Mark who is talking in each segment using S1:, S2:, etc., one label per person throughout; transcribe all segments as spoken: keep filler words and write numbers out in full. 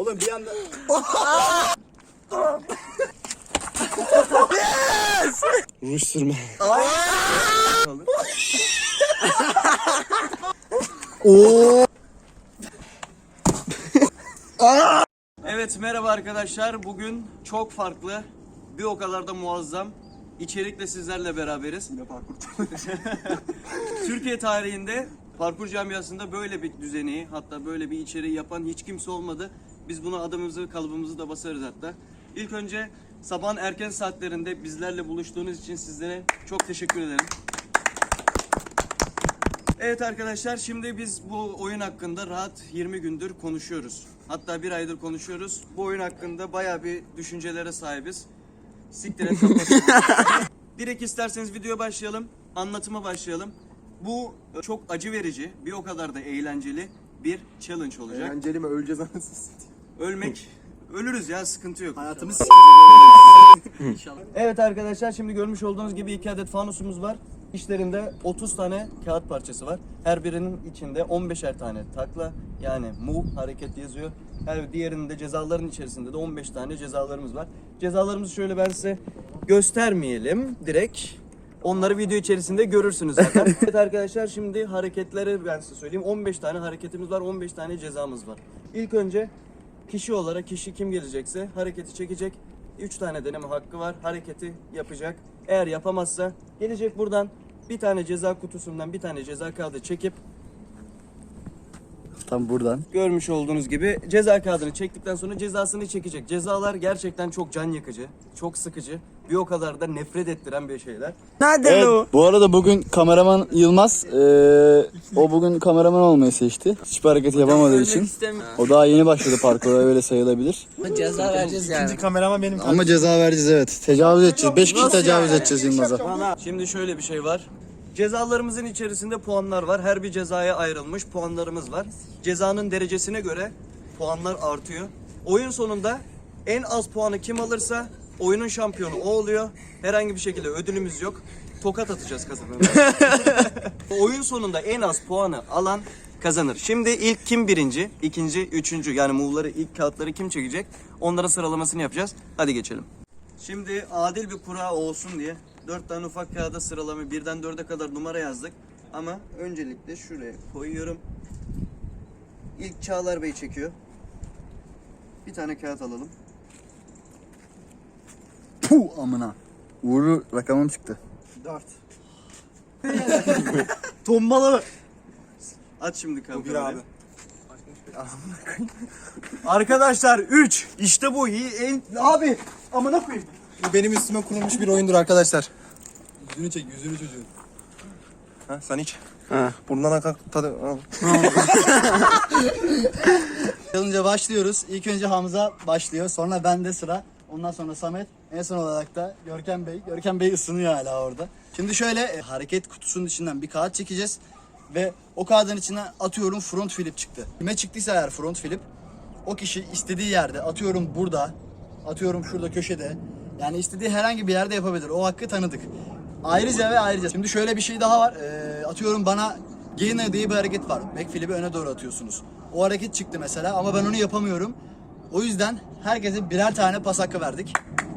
S1: Oğlum bir anda...
S2: Yes!
S1: Ruj sürme.
S2: Oo.
S3: Evet, merhaba arkadaşlar. Bugün çok farklı, bir o kadar da muazzam içerikle sizlerle beraberiz.
S1: Yine parkur.
S3: Türkiye tarihinde parkur camiasında böyle bir düzeni, hatta böyle bir içeriği yapan hiç kimse olmadı. Biz buna adımızı, kalıbımızı da basarız hatta. İlk önce sabahın erken saatlerinde bizlerle buluştuğunuz için sizlere çok teşekkür ederim. Evet arkadaşlar, şimdi biz bu oyun hakkında rahat yirmi gündür konuşuyoruz. Hatta bir aydır konuşuyoruz. Bu oyun hakkında bayağı bir düşüncelere sahibiz. Siktir et kapat. Direkt isterseniz videoya başlayalım. Anlatıma başlayalım. Bu çok acı verici, bir o kadar da eğlenceli bir challenge olacak.
S1: Eğlenceli mi? Öleceğiz anasını satayım.
S3: Ölmek, ölürüz ya, sıkıntı yok.
S1: Hayatımız
S3: İnşallah. Evet arkadaşlar, şimdi görmüş olduğunuz gibi iki adet fanusumuz var. İçlerinde otuz tane kağıt parçası var. Her birinin içinde on beşer tane takla, yani move hareket yazıyor. Her diğerinin de cezaların içerisinde de on beş tane cezalarımız var. Cezalarımızı şöyle ben size göstermeyelim direkt. Onları video içerisinde görürsünüz zaten. Evet arkadaşlar, şimdi hareketleri ben size söyleyeyim. on beş tane hareketimiz var, on beş tane cezamız var. İlk önce kişi olarak kişi kim gelecekse hareketi çekecek. üç tane deneme hakkı var. Hareketi yapacak. Eğer yapamazsa gelecek buradan bir tane ceza kutusundan bir tane ceza kağıdı çekip
S2: Tam buradan.
S3: görmüş olduğunuz gibi ceza kağıdını çektikten sonra cezasını çekecek. Cezalar gerçekten çok can yakıcı, çok sıkıcı, bir o kadar da nefret ettiren bir şeyler.
S2: Nerede evet, o? Bu arada bugün kameraman Yılmaz, ee, o bugün kameraman olmayı seçti. Hiçbir hareketi yapamadığı için. O daha yeni başladı parkura, öyle sayılabilir.
S4: Ceza vereceğiz yani.
S1: İkinci kameraman benim.
S2: Ama ceza vereceğiz evet. Tecavüz edeceğiz. beş kişi tecavüz edeceğiz Yılmaz'a.
S3: Şimdi şöyle bir şey var. Cezalarımızın içerisinde puanlar var. Her bir cezaya ayrılmış puanlarımız var. Cezanın derecesine göre puanlar artıyor. Oyun sonunda en az puanı kim alırsa oyunun şampiyonu o oluyor. Herhangi bir şekilde ödülümüz yok. Tokat atacağız kazanana. Oyun sonunda en az puanı alan kazanır. Şimdi ilk kim birinci, ikinci, üçüncü, yani move'ları, ilk kağıtları kim çekecek? Onların sıralamasını yapacağız. Hadi geçelim. Şimdi adil bir kura olsun diye dört tane ufak kağıda sıralama, birden dörde kadar numara yazdık. Ama öncelikle şuraya koyuyorum. İlk Çağlar Bey çekiyor. Bir tane kağıt alalım.
S2: Puh amına. Uğurlu rakamım çıktı.
S1: Dört.
S3: Tombala. Aç şimdi kağıdı.
S1: Bir abi.
S3: Arkadaşlar üç. İşte bu iyi en abi amına koyayım.
S1: Bu benim üstüme kurulmuş bir oyundur arkadaşlar. Yüzünü çek, yüzünü çocuğun. Ha, sen iç.
S2: Ha.
S1: Burnundan akar tadı. Al.
S2: Challenge'a başlıyoruz. İlk önce Hamza başlıyor. Sonra bende sıra. Ondan sonra Samet. En son olarak da Görkem Bey. Görkem Bey ısınıyor hala orada. Şimdi şöyle e, hareket kutusunun içinden bir kağıt çekeceğiz. Ve o kağıdın içine atıyorum front flip çıktı. Kime çıktıysa eğer front flip, o kişi istediği yerde, atıyorum burada, atıyorum şurada köşede. Yani istediği herhangi bir yerde yapabilir. O hakkı tanıdık. Ayrıca ve ayrıca. Şimdi şöyle bir şey daha var. E, atıyorum bana gainer diye bir hareket var. Backflip'i öne doğru atıyorsunuz. O hareket çıktı mesela ama ben onu yapamıyorum. O yüzden herkese birer tane pas hakkı verdik.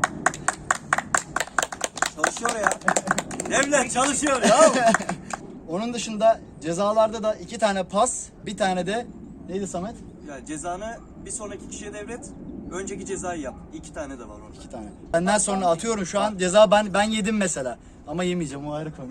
S3: Çalışıyor ya. Devlet çalışıyor ya.
S2: Onun dışında cezalarda da iki tane pas, bir tane de neydi Samet?
S3: Ya cezanı bir sonraki kişiye devret. Önceki cezayı yap. İki tane de var orada.
S2: İki tane. Benden sonra atıyorum şu an ceza ben ben yedim mesela. Ama yemeyeceğim, o ayrı konu.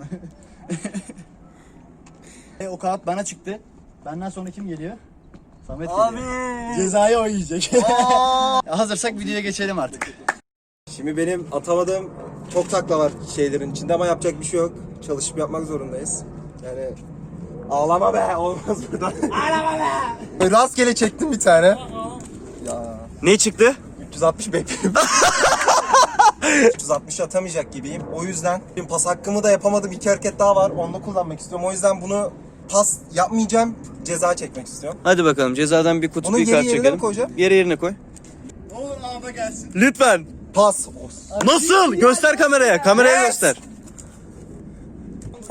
S2: e, o kağıt bana çıktı. Benden sonra kim geliyor? Samet
S3: Abi.
S2: geliyor. Cezayı o yiyecek. Hazırsak videoya geçelim artık.
S1: Şimdi benim atamadığım çok takla var şeylerin içinde ama yapacak bir şey yok. Çalışıp yapmak zorundayız. Yani ağlama be, olmaz burada. Ağlama be. Rastgele çektim bir tane. Ya
S3: Ne çıktı?
S1: üç yüz altmış bekliyorum. üç yüz altmış atamayacak gibiyim. O yüzden benim pas hakkımı da yapamadım. İki hareket daha var. Onu da kullanmak istiyorum. O yüzden bunu pas yapmayacağım. Ceza çekmek istiyorum.
S3: Hadi bakalım, cezadan bir kutu
S1: Bunu
S3: bir
S1: geri
S3: kart
S1: yerine
S3: çekelim.
S1: mi koyacağım?
S3: Yere yerine koy.
S2: Ne olur ağda gelsin.
S3: Lütfen.
S1: Pas.
S3: Nasıl? Göster kameraya. Kameraya
S1: Yes.
S3: göster.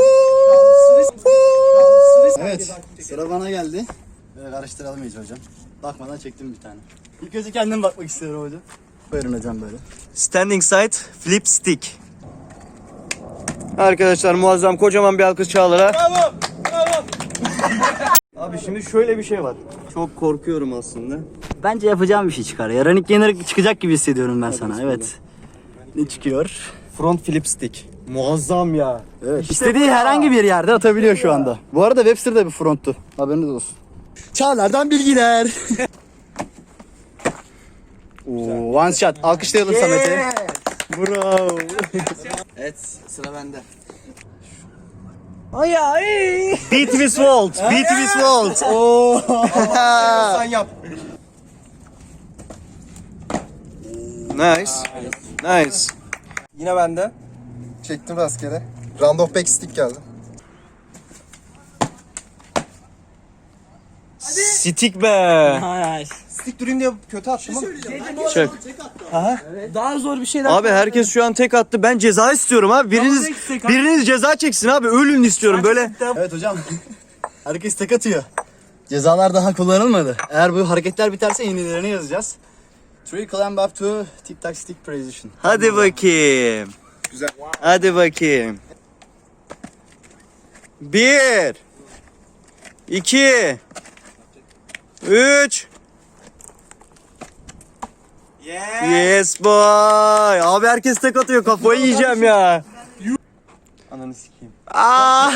S2: Evet, sıra bana geldi. Böyle karıştıralım iyice hocam. Bakmadan çektim bir tane. İlk önce kendim bakmak istiyorum hocam. Buyurun hocam böyle.
S3: Standing side flip stick. Arkadaşlar muazzam kocaman bir alkış Çağlar'a. Bravo! Bravo! Abi şimdi şöyle bir şey var. Çok korkuyorum aslında.
S2: Bence yapacağım bir şey çıkar. Ya Running Gainer çıkacak gibi hissediyorum ben sana. Evet. Ne çıkıyor?
S3: Front flip stick. Muazzam ya.
S2: Evet. İstediği herhangi bir yerde atabiliyor şu anda. Bu arada Webster de bir fronttu. Haberiniz olsun. Çağlar'dan bilgiler. Oo, one shot. Alkışlayalım Samet'i. Bravo. Evet, sıra bende.
S3: Beat with Walt. Beat with Walt. Oo.
S1: Sen yap.
S3: Nice. Nice.
S1: Yine bende. Çektim rastgele. Round of backstick geldi.
S3: Stick be.
S1: Stick durayım diye kötü attım ama.
S3: Çek.
S4: Daha zor bir şeyler.
S3: Abi herkes şu an tek attı. Ben ceza istiyorum abi. Biriniz biriniz ceza çeksin abi. Ölün istiyorum böyle.
S2: Evet hocam. Herkes tek atıyor. Cezalar daha kullanılmadı. Eğer bu hareketler biterse yenilerini yazacağız. Three climb up to tic tac stick position.
S3: Hadi bakayım.
S1: Güzel.
S3: Hadi bakayım. Bir. iki. Üç. Yes boy. Abi herkes tek atıyor. Kafayı yiyeceğim ya. Ananı sikeyim. Aa.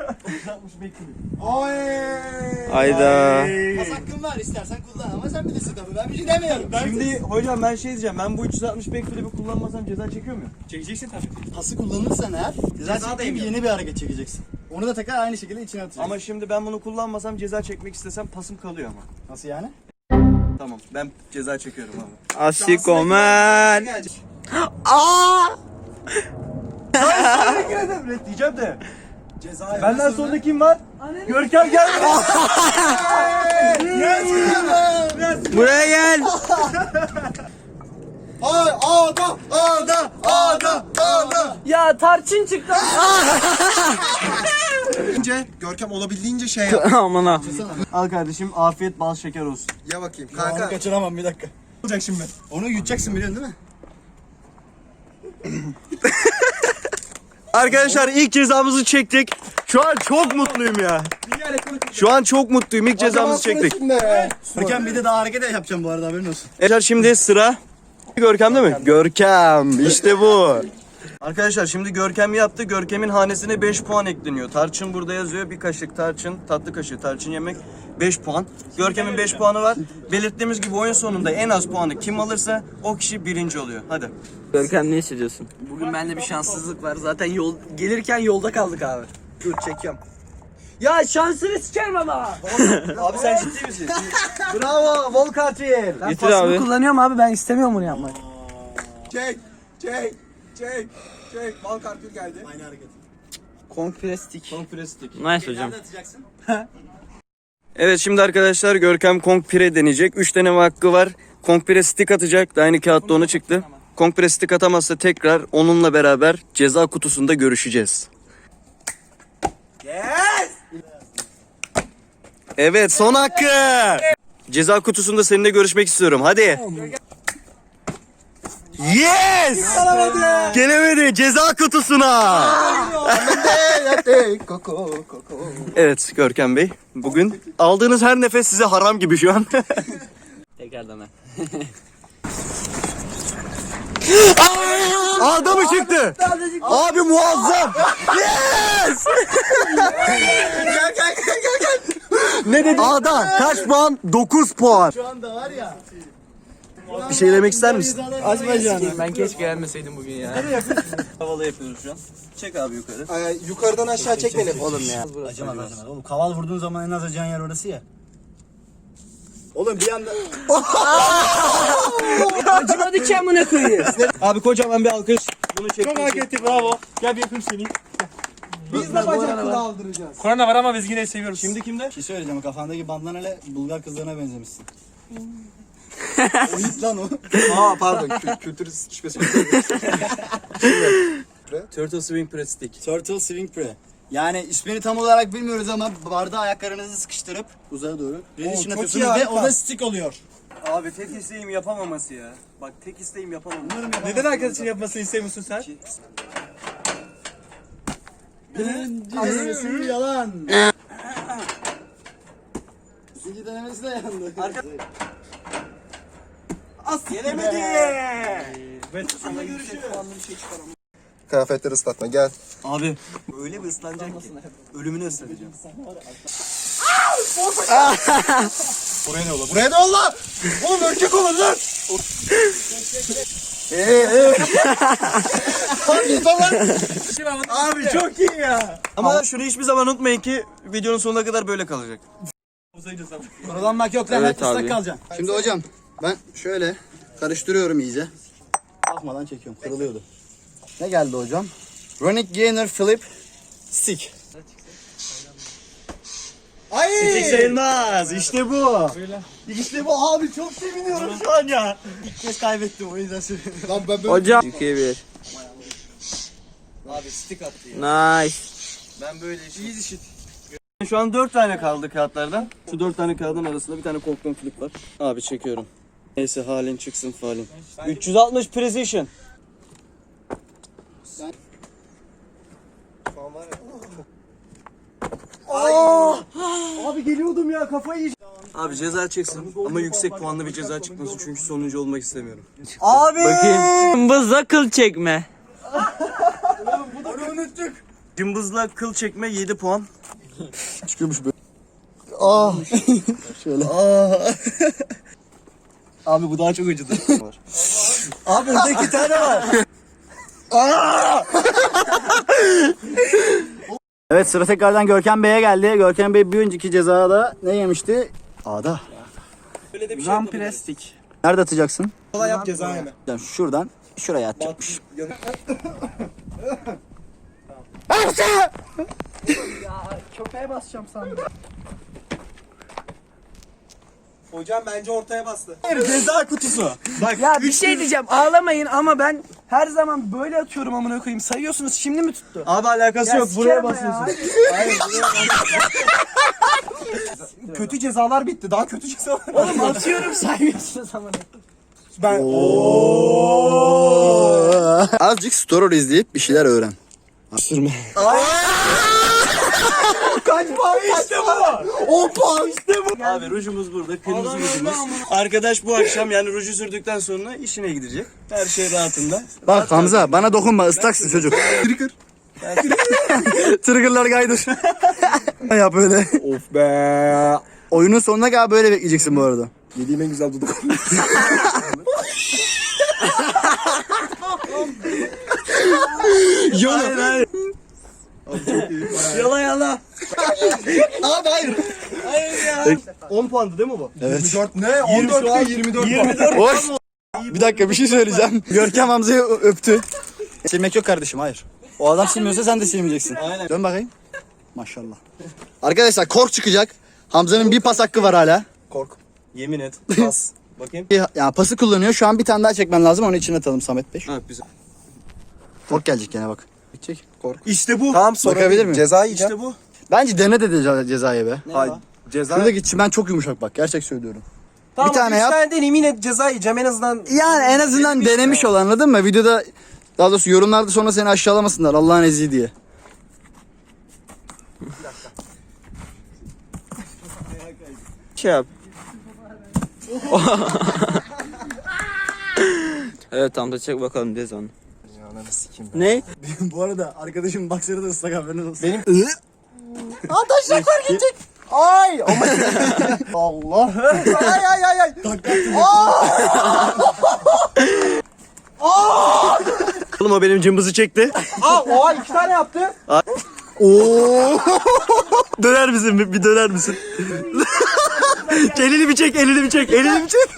S3: Hayda.
S2: Pas hakkın var, istersen kullan ama sen bilirsin tabii. Ben bir şey demiyorum.
S3: Şimdi hocam ben şey diyeceğim. Ben bu üç yüz altmış backflip'i kullanmasam ceza çekiyor muyum?
S4: Çekeceksin tabii.
S2: Pası kullanırsan eğer ceza çektiğin yeni bir hareket çekeceksin. Onu da tekrar aynı şekilde içine atacaksın.
S3: Ama şimdi ben bunu kullanmasam ceza çekmek istesem pasım kalıyor ama.
S2: Nasıl yani?
S3: Tamam ben ceza çekiyorum abi.
S1: Asikomen.
S3: Evet diyeceğim de. Benden sonra kim var? Görkem gel. Buraya gel.
S1: Ay ağda ağda ağda ağda.
S4: Ya tarçın çıktı.
S1: Önce Görkem olabildiğince şey yap.
S4: Aman ha.
S3: Al kardeşim afiyet bal şeker olsun.
S1: Ya bakayım
S2: Kanka. Onu
S1: kanka.
S2: kaçıramam bir dakika.
S1: Olacak şimdi.
S2: Onu yutacaksın biliyorsun değil mi?
S3: Arkadaşlar ilk cezamızı çektik. Şu an çok mutluyum ya. Şu an çok mutluyum. İlk cezamızı çektik.
S2: Görkem bir de daha hareket yapacağım bu arada haberin olsun.
S3: Arkadaşlar şimdi sıra Görkem değil mi? Görkem. İşte bu. Arkadaşlar şimdi Görkem yaptı. Görkem'in hanesine beş puan ekleniyor. Tarçın burada yazıyor. Bir kaşık tarçın, tatlı kaşığı tarçın yemek beş puan. Görkem'in beş puanı var. Belirttiğimiz gibi oyun sonunda en az puanı kim alırsa o kişi birinci oluyor. Hadi.
S4: Görkem ne hissediyorsun? Bugün bende bir şanssızlık var. Zaten yol gelirken yolda kaldık abi.
S1: Dur çekiyorum.
S4: Ya şansını sikerim ama.
S3: Abi sen ciddi misin? Bravo Volkatil.
S4: Ben
S3: Getir
S4: pasımı
S3: abi.
S4: kullanıyorum abi. Ben istemiyorum bunu yapmayı.
S1: Çek çek çek çek. Bal kartür geldi.
S2: Aynı hareket.
S4: Konfrestik.
S3: Konfrestik.
S4: Nice hocam.
S2: Nerede atacaksın?
S3: Evet şimdi arkadaşlar Görkem Kong Pire deneyecek. üç deneme hakkı var. Kong Pire stick atacak. Aynı kağıtta onu çıktı. Kong Pire stick atamazsa tekrar onunla beraber ceza kutusunda görüşeceğiz.
S1: Yes.
S3: Evet son hakkı. Ceza kutusunda seninle görüşmek istiyorum. Hadi. Yes! Gelemedi ceza kutusuna.
S1: Koko koko.
S3: Evet Görkem Bey. Bugün aldığınız her nefes size haram gibi şu an.
S4: Tekrardan ben.
S3: Ağda mı çıktı? Abi muazzam. Yes!
S1: Gel gel gel gel gel.
S3: Ne dedi? Ağda kaç puan? dokuz puan.
S2: Şu anda var ya.
S3: Bir şey demek ister misin?
S4: Açma canım. Ben keşke gelmeseydim bugün ya.
S3: Havalı yapıyoruz şu an. Çek abi yukarı.
S1: Ee, yukarıdan aşağı çek beni oğlum ya.
S2: Acımaz acımaz. Oğlum kaval vurduğun zaman en az acıyan yer orası ya. Oğlum bir anda...
S4: Acımadı ki amına koyayım.
S3: Abi kocaman bir alkış. Bunu çek.
S5: Çok hak etti bravo. Gel bir yapayım seni.
S1: Biz de bacakları aldıracağız.
S5: Korona var ama biz yine seviyoruz.
S3: Şimdi kimde?
S2: Bir şey söyleyeceğim, kafandaki bandanalı Bulgar kızlarına benzemişsin. O hit lan o.
S1: Aa pardon kü- kültür şüphesi.
S3: Turtle Swing Press Stick.
S2: Turtle Swing Pre. Yani ismini tam olarak bilmiyoruz ama bardağı ayaklarınızı sıkıştırıp uzaya doğru resistance
S1: çok
S2: atıyorsunuz
S1: iyi,
S2: ve
S1: harika.
S2: o da stick oluyor.
S3: Abi tek isteğim yapamaması ya. Bak tek isteğim yapamaması.
S5: Neden arkadaşın yapmasını istemiyorsun sen?
S2: Birinci denemesi yalan. İkinci denemesi de yandı.
S3: As yenemedi.
S1: Kıyafetleri ıslatma gel.
S3: Abi öyle bir ıslanacak ki ölümünü ıslatacağım.
S1: Buraya ne olur? Buraya ne olur? Oğlum örümcek olur lan. Eee
S3: Abi çok iyi ya. Ama şunu hiçbir zaman unutmayın ki videonun sonuna kadar böyle kalacak.
S2: Kurulanmak yok lan.
S4: Evet
S2: Evet, ıslak
S4: abi.
S2: kalacaksın. Şimdi hocam ben şöyle karıştırıyorum iyice. Bakmadan çekiyorum. Kırılıyordu. Ne geldi hocam? Ronic Gainer Flip Stick.
S3: Stick sayılmaz. İşte bu. İşte bu abi çok seviniyorum şu an ya.
S2: İlk kez kaybettim o yüzden söylüyorum.
S1: Lan ben böyle
S4: Hocam. iki bir.
S3: Abi stick attı ya.
S4: Nice.
S3: Ben böyle işim. İyi işit. Şu an dört tane kaldı kağıtlardan. Şu dört tane kağıdın arasında bir tane korktuğum flip var. Abi çekiyorum. Neyse halin çıksın falin. üç yüz altmış precision. Abi geliyordum ya kafayı yiyeceğim. Abi ceza çeksin ama yüksek puanlı bir ceza çıkmasın çünkü sonuncu olmak istemiyorum. Abi!
S4: Bakayım. Cımbızla kıl çekme.
S3: Cımbızla kıl çekme yedi puan.
S2: Çıkıyormuş böyle. Ah. Şöyle.
S3: Abi bu daha çok acıdı. Abi burada iki tane var.
S2: Evet sıra tekrardan Görkem Bey'e geldi. Görkem Bey bir önceki cezada ne yemişti? Ağda.
S3: Böyle de bir şey
S4: Ramprestik.
S2: Nerede atacaksın?
S1: kolay yap ceza yeme.
S2: Yani şuradan şuraya atacakmış.
S4: Köpeğe basacağım sandım.
S1: Hocam bence ortaya bastı.
S3: ceza kutusu. Bak
S4: Ya bir şey diyeceğim, ağlamayın ama ben her zaman böyle atıyorum amına koyayım. Sayıyorsunuz, şimdi mi tuttu?
S3: abi alakası yok buraya basıyorsun.
S1: Kötü cezalar bitti. Daha kötü cezalar.
S4: Oğlum atıyorum, saymıyorsunuz amına.
S1: Ben
S2: Azıcık story izleyip bir şeyler öğren.
S3: Sürme.
S1: kaç puan? İşte bu. on puan. İşte bu.
S3: Abi rujumuz burada, kırmızı rujumuz. Arkadaş bu akşam yani ruju sürdükten sonra işine gidecek. Her şey rahatında.
S2: Bak Hamza bana dokunma ıslaksın çocuk.
S1: Trigger.
S2: Trigger'lar kaydır. Ya böyle.
S1: Of be.
S2: Oyunun sonuna kadar böyle bekleyeceksin bu arada.
S1: Yediğim en güzel duduk.
S3: Hayır hayır. Yala yala.
S2: Abi hayır.
S3: on puandı değil mi bu?
S2: Evet.
S1: yirmi dört ne? on dört değil yirmi dört.
S3: yirmi dört.
S2: Hoş. Bir dakika bir şey söyleyeceğim. Görkem Hamza'yı ö- öptü. Silmek yok kardeşim hayır. O adam silmiyorsa sen de silmeyeceksin.
S3: Aynen.
S2: Dön bakayım. Maşallah. Arkadaşlar kork çıkacak. Hamza'nın bir pas hakkı var hala.
S1: Kork.
S3: Yemin et. Pas. Bakayım.
S2: Bir- Yani pası kullanıyor. Şu an bir tane daha çekmen lazım. Onu içine atalım Samet Bey.
S3: Ha güzel.
S2: Kork gelecek gene bak. Çek.
S1: Kork.
S3: İşte bu.
S1: Tamam sonra
S2: Bakabilir miyim?
S1: Ceza yiyeceğim.
S3: İşte bu.
S2: Bence dene de ceza, cezayı be.
S1: Hayır. Ceza.
S2: Şuradaki çimen çok yumuşak bak. Gerçek söylüyorum.
S1: Tamam,
S2: bir tane
S1: üç
S2: yap.
S1: tane deneyim yine ceza yiyeceğim en azından.
S2: Yani en azından denemiş ol anladın mı? Videoda daha doğrusu yorumlarda sonra seni aşağılamasınlar Allah'ın eziği diye.
S4: Şey yap. Evet tamam da çek bakalım dez onu.
S1: Ananı sikeyim.
S4: Ne?
S2: Bu arada arkadaşım baksırı da ıslak haberiniz olsun.
S1: Benim taşaklar gidecek. Ay ama Allah. Ay ay ay ay.
S3: Oğlum o benim cımbızı çekti.
S1: Aa oha iki tane yaptı.
S2: Oo.
S3: Döner misin? Bir, bir döner misin? elini bir çek, elini bir çek, elini bir çek.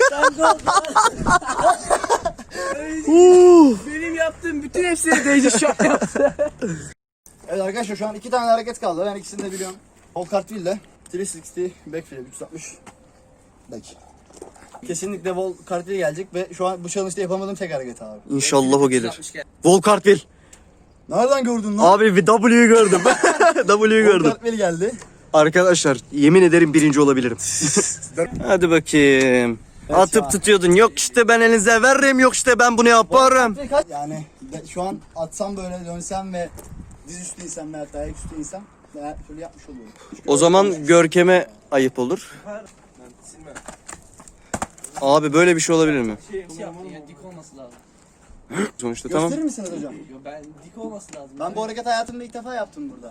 S4: Benim yaptığım bütün hepsini Deyci şu an yaptı.
S2: Evet arkadaşlar şu an iki tane hareket kaldı. Ben ikisini de biliyorum. Whole cartwheel ile üç yüz altmış backflip üç yüz altmış back. Kesinlikle wall cartwheel gelecek ve şu an bu challenge'da yapamadığım tek hareket abi.
S3: İnşallah o gelir. Vol cartwheel.
S2: Nereden gördün lan?
S3: Abi bir W'yu gördüm. W'yu gördüm.
S2: Kartmeli geldi.
S3: Arkadaşlar yemin ederim birinci olabilirim. Hadi bakayım. Atıp tutuyordun. Yok işte ben elinize veririm. Yok işte ben bunu yaparım.
S2: Yani de- şu an atsam böyle dönsem ve diz üstü insem veya dayak üstü insem ben şöyle yapmış oluyorum.
S3: O zaman Görkem'e ayıp olur. Abi böyle bir şey olabilir mi?
S4: Şey yaptın ya, dik olması lazım.
S3: Sonuçta tamam.
S2: Gösterir misiniz hocam?
S4: Yo, ben dik olması lazım.
S2: Ben bu hareket hayatımda ilk defa yaptım burada.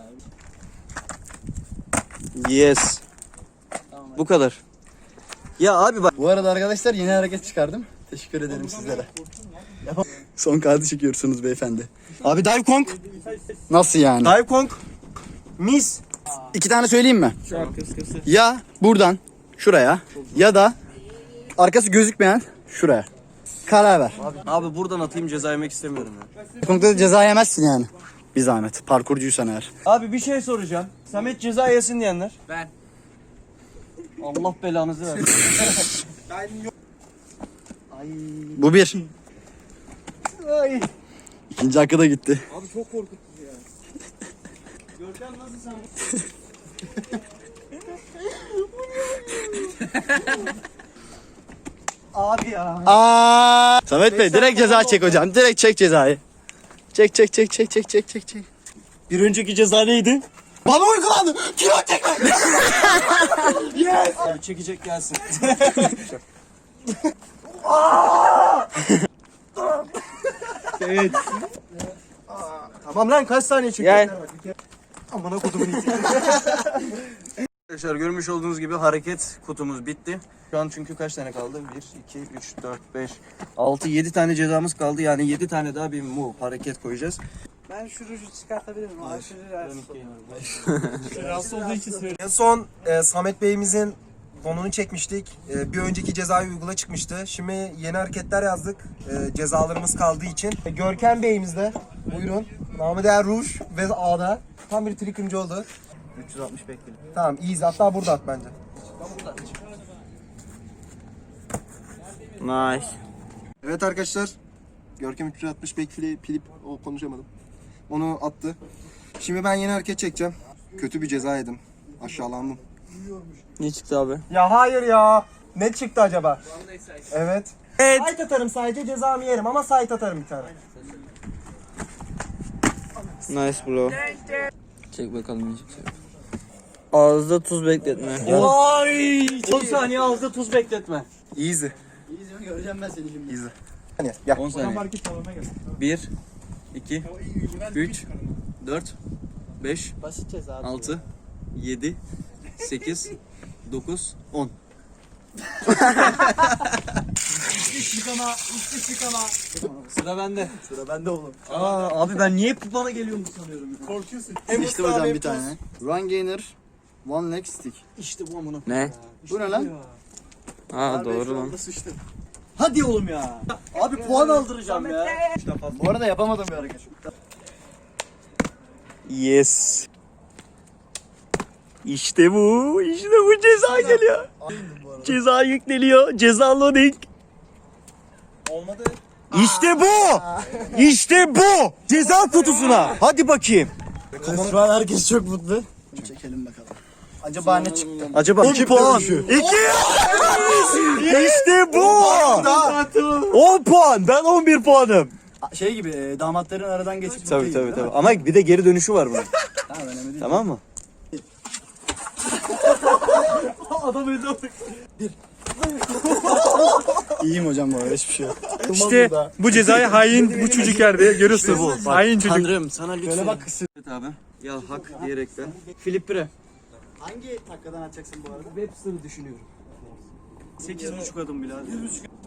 S3: Yes.
S4: Tamam,
S3: Bu kadar. Ya abi bak.
S2: Bu arada arkadaşlar yeni hareket çıkardım. Teşekkür ederim sizlere. Son kağıdı çekiyorsunuz beyefendi.
S3: Abi dive kong.
S2: Nasıl yani?
S3: Dive kong. Mis.
S2: İki tane söyleyeyim mi? Ya buradan şuraya ya da arkası gözükmeyen şuraya. Karar ver.
S3: Abi buradan atayım, ceza yemek istemiyorum ya.
S2: Konuda da ceza yemezsin yani. Bir zahmet. Parkurcuysan eğer.
S3: Abi bir şey soracağım. Samet ceza yesin diyenler.
S4: Ben.
S3: Allah belanızı versin.
S2: Bu bir. İkinci hakkı da gitti.
S3: Abi çok korkuttu ya. Görkem nasıl sen? Abi ya.
S2: Aa! Samet Bey direkt ceza çek hocam. Direkt çek cezayı. Çek çek çek çek çek çek çek çek.
S3: Bir önceki ceza neydi?
S2: Bana uygulandı. Kilo çekme.
S3: Yes. Abi çekecek gelsin. Evet. Tamam lan kaç saniye çekiyorsun? Gel. Amına kutumun iti. Arkadaşlar görmüş olduğunuz gibi hareket kutumuz bitti. Şu an çünkü kaç tane kaldı? bir, iki, üç, dört, beş, altı, yedi tane cezamız kaldı. Yani yedi tane daha bir move hareket koyacağız.
S4: Ben şu ruju çıkartabilir miyim? Abi şu
S5: Rahatsız olduğu için söylüyorum.
S1: En son e, Samet Bey'imizin donunu çekmiştik. E, bir önceki cezayı uygula çıkmıştı. Şimdi yeni hareketler yazdık. E, cezalarımız kaldığı için. E, Görkem Bey'imiz de buyurun. Namı değer Ruj ve A'da. Tam bir trikimci oldu.
S3: üç yüz altmış bekledim.
S1: Tamam iyiyiz. Hatta burada at bence.
S3: Nice.
S1: Evet arkadaşlar. Görkem üç yüz altmış backflip Filip o konuşamadım. Onu attı. Şimdi ben yeni hareket çekeceğim. Kötü bir ceza yedim. Aşağılandım.
S3: Ne çıktı abi?
S1: Ya hayır ya. Ne çıktı acaba? Evet. Evet. Site atarım sadece cezamı yerim ama site atarım bir tane.
S4: Nice bro. Çek bakalım ne çıkacak. Ağızda tuz bekletme.
S3: Ay! on saniye ağızda tuz bekletme.
S1: Easy.
S2: İyi göreceğim ben seni şimdi.
S1: Easy. Hani gel.
S3: on saniye. bir, iki, üç, dört, beş,
S2: Basit ceza.
S3: altı, yedi, sekiz, dokuz, on. Sıra bende.
S2: Sıra bende oğlum.
S3: Aa abi ben niye hep bana geliyor bu sanıyorum ya.
S1: Korkuyorsun.
S2: İşte hocam bir tane. Run gainer. One leg stick.
S3: İşte bu amına.
S4: Ne?
S2: Bu ne lan?
S4: Aa doğru lan.
S3: Hadi oğlum ya. Abi puan aldıracağım ya.
S2: Bu arada yapamadığım bir hareket.
S3: Yes. İşte bu. İşte bu ceza geliyor. Ceza yükleniyor. Ceza loading.
S1: Olmadı.
S3: İşte bu. İşte bu. Ceza kutusuna. Hadi bakayım.
S2: Şu an herkes çok mutlu. Çekelim bakalım. Acaba ne çıktı?
S3: Acaba on puan. iki. İşte bu. on puan. Ben on bir puanım.
S2: Şey gibi e, damatların aradan geçip
S3: Tabii tabii tabii. Ama bir de geri dönüşü var bunun.
S2: Tamam önemli değil.
S3: Tamam mı?
S2: İyiyim hocam bu arada hiçbir şey yok.
S5: İşte bu cezayı hain bu çocuk verdi. Görüyorsun bu. Hain çocuk.
S3: Tanrım sana lütfen.
S2: Şöyle bak kısır.
S3: Evet abi. Ya hak diyerekten. Filip Bre.
S2: Hangi dakikadan atacaksın bu arada?
S3: Webster'ı düşünüyorum. sekiz buçuk adım bile abi.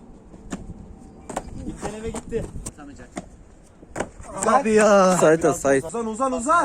S2: Gitten eve gitti. Sanacak.
S3: Abi ya. Sayta sayt.
S1: Uzan uzan uzan.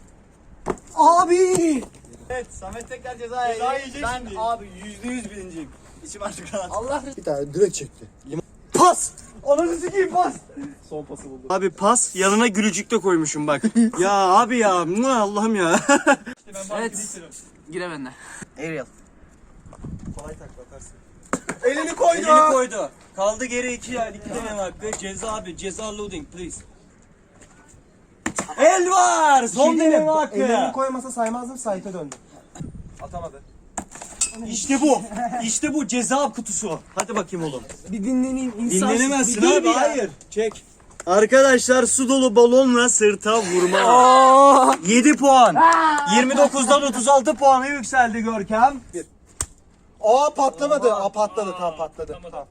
S3: Abi.
S2: Evet Samet tekrar ceza yiyecek. Ben abi yüzde yüz birinciyim. İçim artık rahat. Allah bir tane direkt çekti.
S3: Pas. Ananı sikeyim pas. Son pası buldu. Abi pas yanına gülücük de koymuşum bak. ya abi ya. Mua, Allah'ım ya.
S4: Evet. Gire bende.
S3: Ariel.
S1: Kolay tak bakarsın.
S3: Elini koydu. Elini koydu. Kaldı geri iki ya. İki deneme hakkı. Ceza abi. Ceza loading please. El var. Son
S1: Şey değil mi?
S3: deneme hakkı.
S1: Ellerini koymasa saymazdım, Sait'e döndü. Atamadı.
S3: İşte bu. İşte bu ceza kutusu. Hadi bakayım oğlum.
S4: Bir dinlenin insan.
S3: Dinlenemezsin
S4: Bir dur
S3: abi.
S4: bir ya.
S3: Hayır. Çek. Arkadaşlar su dolu balonla sırta vurma. yedi puan. yirmi dokuzdan otuz altı puana yükseldi Görkem.
S1: Aa patlamadı. Aa patladı, tam patladı. Tamam.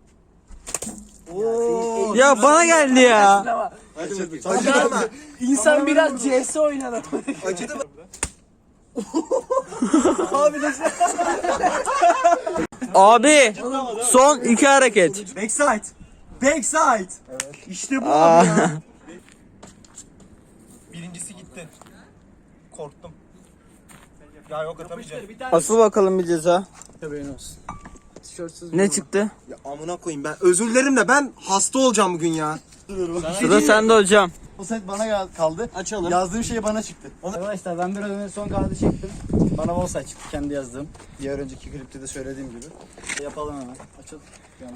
S3: Oo.
S4: Ya bana geldi ya.
S3: Hadi bakayım.
S1: Acıdı mı?
S4: İnsan biraz C S oynadı.
S1: Acıdı mı?
S3: Abi de
S4: Abi son iki hareket.
S3: backside. Backside. Evet. İşte bu abi ya.
S1: Birincisi gitti. Korktum. Ya yok atamayacağım.
S4: Asıl bakalım bir ceza. Ne çıktı?
S1: Ya amına koyayım ben. Özür dilerim de ben hasta olacağım bugün ya.
S4: Sıra sende hocam.
S2: O set bana gel- kaldı.
S3: Açalım.
S2: Yazdığım şey bana çıktı. Arkadaşlar ben biraz önce son kağıdı çektim. Bana Volsay çıktı kendi yazdığım. Diğer önceki klipte de söylediğim gibi. Yapalım hemen. Açalım. Yani.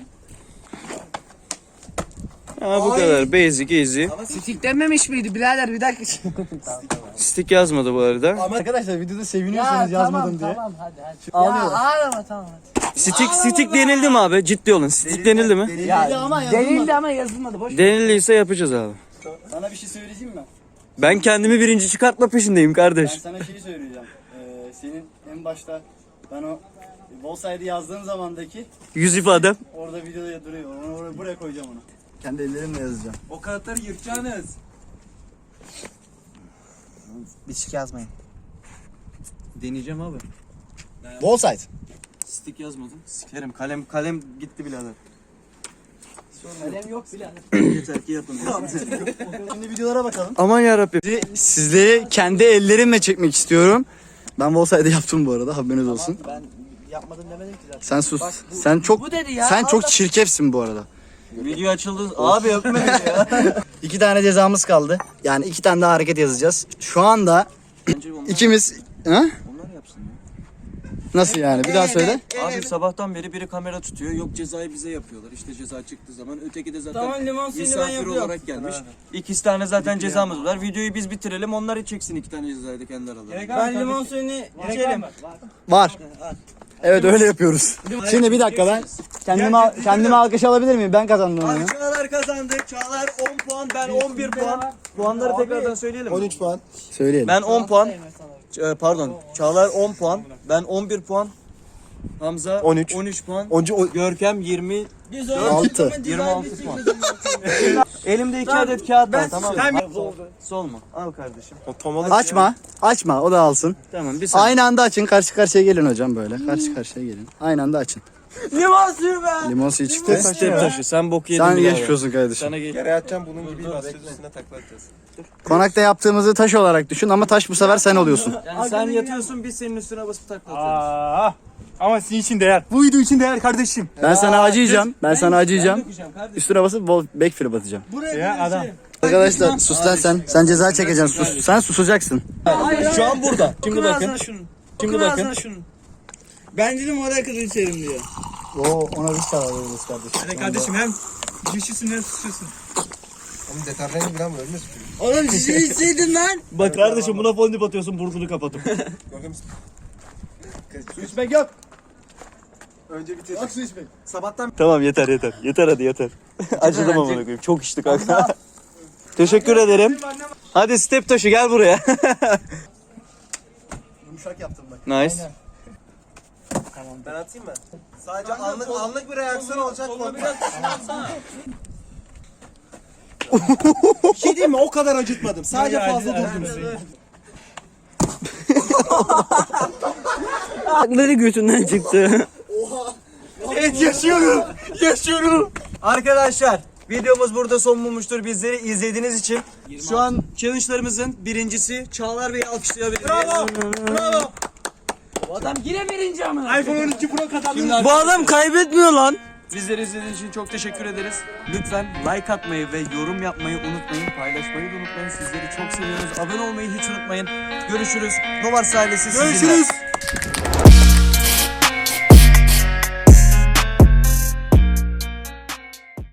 S4: Ha, bu kadar basic easy.
S6: Stick dememiş miydi birader bir dakika.
S4: Stick yazmadı bu arada.
S2: Ama arkadaşlar videoda seviniyorsanız yazmadım diye.
S6: Tamam hadi hadi.
S2: Ağlıyorum.
S6: Ya ağlama tamam hadi.
S4: Stick stick denildi mi abi? Ciddi olun. Stick denildi mi?
S2: Ya, ama yazılmadı.
S6: Denildi ama yazılmadı boş.
S4: Denildiyse yapacağız abi.
S2: Sana bir şey söyleyeceğim mi?
S4: Ben kendimi birinci çıkartma peşindeyim
S2: Ben
S4: kardeş.
S2: sana şeyi söyleyeceğim. Ee, senin en başta ben o Volsay'da yazdığın zamandaki
S4: Yüz ifadem.
S2: orada videoda duruyor. Onu oraya, buraya koyacağım onu. Kendi ellerimle yazacağım.
S3: O kağıtları yırtacaksınız.
S6: Bir şey yazmayın.
S3: Deneyeceğim abi.
S2: Volsay.
S3: Stick yazmadım. Sikerim. Kalem kalem gitti birader.
S6: Kalem yok birader.
S3: Yeter ki yapın.
S2: Şimdi videolara bakalım.
S4: Aman yarabbim.
S2: Sizleri kendi ellerimle çekmek istiyorum. Ben Volsay'da yaptım bu arada haberiniz olsun.
S6: Ben yapmadım demedim ki zaten.
S2: Sen sus. sen çok
S6: bu dedi ya,
S2: sen çok
S6: Allah-
S2: çirkefsin bu arada.
S3: Video açıldı. Abi öpme beni ya.
S2: İki tane cezamız kaldı. Yani iki tane daha hareket yazacağız. Şu anda ikimiz ha?
S3: Onlar yapsın ya.
S2: Nasıl yani? Bir daha söyle.
S3: Abi sabahtan beri biri kamera tutuyor. Yok cezayı bize yapıyorlar. İşte ceza çıktığı zaman. Öteki de zaten
S6: Tamam, limon suyunu ben
S3: misafir
S6: yapıyorum.
S3: olarak gelmiş. İki tane zaten cezamız var. Videoyu biz bitirelim. Onlar çeksin iki tane cezayı da kendi aralarında.
S6: Ben limon suyunu içelim.
S2: Var. Evet öyle yapıyoruz. Şimdi bir dakika ben kendime kendime alkış alabilir miyim? Ben kazandım onu.
S3: Çağlar kazandı. Çağlar on puan. Ben on bir puan. Puanları tekrardan söyleyelim mi?
S1: on üç puan.
S2: Söyleyelim.
S3: Ben on puan. Ç- Pardon. Çağlar on puan. Ben on bir puan. Hamza
S1: on üç.
S3: on üç puan.
S1: Oncu o...
S3: Görkem yirmi
S2: altı.
S3: yirmi altı puan. Elimde iki adet kağıt var tamam mı? Sol mu? Al kardeşim.
S1: Tam olarak
S2: Açma. Açma. O da alsın.
S3: Tamam bir saniye.
S2: Aynı anda açın. Karşı karşıya gelin hocam böyle. Karşı karşıya gelin. Aynı anda açın.
S6: Limon suyu be.
S2: Limon suyu çıktı.
S3: Step taşı sen bok yedin
S2: Sen
S3: birader.
S2: geçmiş olsun kardeşim.
S3: Sana geç.
S1: yere yatacağım, bunun gibi basıyoruz, üstüne takla atacağız.
S2: Konakta yaptığımızı taş olarak düşün ama taş bu sefer sen oluyorsun.
S3: Yani sen yatıyorsun biz senin üstüne basıp takla atıyoruz.
S5: Aa, ama sizin için değer. Bu video için değer kardeşim.
S2: Ben sana acıyacağım. Ben sana acıyacağım.
S3: Dökeceğim kardeşim.
S2: Üstüne basıp bol backflip atacağım.
S5: Ya adam.
S2: Arkadaşlar sus lan sen. Sen ceza çekeceksin. Sus. Sen susacaksın.
S3: Şu an burada. Şimdi
S6: Okun
S3: bakın.
S6: ağzına şunu.
S3: Şimdi
S6: Okun
S3: bakın.
S6: ağzına şunu. Ben dedim oraya kadar içerim diyor.
S2: Oo ona biz karar veririz kardeşim.
S5: Hadi kardeşim hem düşürsün hem susuyorsun.
S1: Oğlum deterjan falan mı ölmez ki?
S6: Oğlum sizi içseydin lan.
S3: Bak kardeşim buna fondip atıyorsun burnunu kapatıp.
S1: Görkem misin?
S2: Su içmek yok.
S1: Önce bitir.
S2: Bak su içmek.
S1: Sabahtan
S3: Tamam yeter yeter. Yeter hadi yeter. Acıdım amına koyayım. Çok içtik kanka. Teşekkür ederim. Hadi step taşı gel buraya.
S2: Yumuşak yaptım bak.
S3: Nice.
S1: ben atayım mı? Sadece anlık, anlık bir reaksiyon olacak. Biraz bir şey diyeyim mi? O kadar acıtmadım. Sadece fazla durdunuz.
S4: Akları götünden çıktı.
S3: Evet yaşıyorum. Yaşıyorum. Arkadaşlar videomuz burada son bulmuştur. Bizleri izlediğiniz için. Şu an challenge'larımızın birincisi Çağlar Bey'i alkışlayabiliriz. Bravo. Bravo.
S6: Adam yine birinci amına.
S5: iPhone on iki Pro kazandı.
S4: Bu adam kaybetmiyor lan.
S3: Bizleri izlediğiniz için çok teşekkür ederiz. Lütfen like atmayı ve yorum yapmayı unutmayın. Paylaşmayı da unutmayın. Sizleri çok seviyoruz. Abone olmayı hiç unutmayın. Görüşürüz. Novars ailesi sizinle.
S5: Görüşürüz.